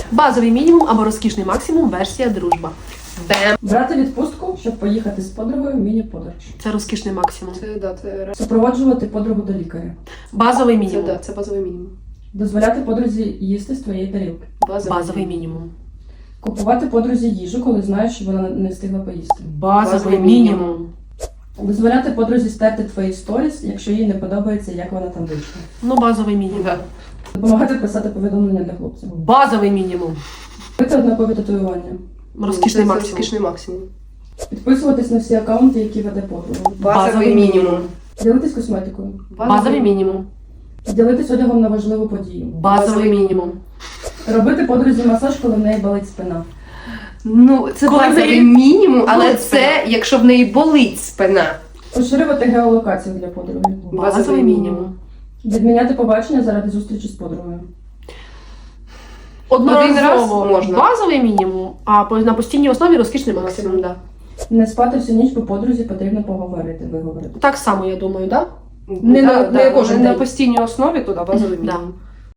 Базовий мінімум або розкішний максимум версія дружба. Бем. Брати відпустку, щоб поїхати з подругою в міні-подорож. Це розкішний максимум. Це Супроводжувати подругу до лікаря. Базовий мінімум. це базовий мінімум. Дозволяти подрузі їсти з твоєї тарілки. Базовий мінімум. Купувати подрузі їжу, коли знаєш, що вона не встигла поїсти. Базовий мінімум. Дозволяти подрузі стерти твої сторіс, якщо їй не подобається, як вона там вийшла. Ну, базовий мінімум. Да. Допомагати писати повідомлення для хлопців. Базовий мінімум. Робити однакові татуювання. Розкішний Це максимум. розкішний максимум. Підписуватись на всі аккаунти, які веде подруга. Базовий мінімум. Ділитись косметикою. Базовий мінімум. Ділитись одягом на важливу подію. Базовий мінімум. Робити подрузі масаж, коли в неї болить спина. Ну, це Коли базовий в неї мінімум, але болить це якщо в неї болить спина. Поширювати геолокацію для подруги. Базовий мінімум. Відміняти побачення заради зустрічі з подругою. Один раз Одноразово можна. базовий мінімум, а на постійній основі розкішний максимум. Максимум, да. Не спати всю ніч, бо подрузі потрібно поговорити, виговорити. Так само, я думаю, так? Не Да, на да, кожен на день. На постійній основі туди базовий Да. мінімум.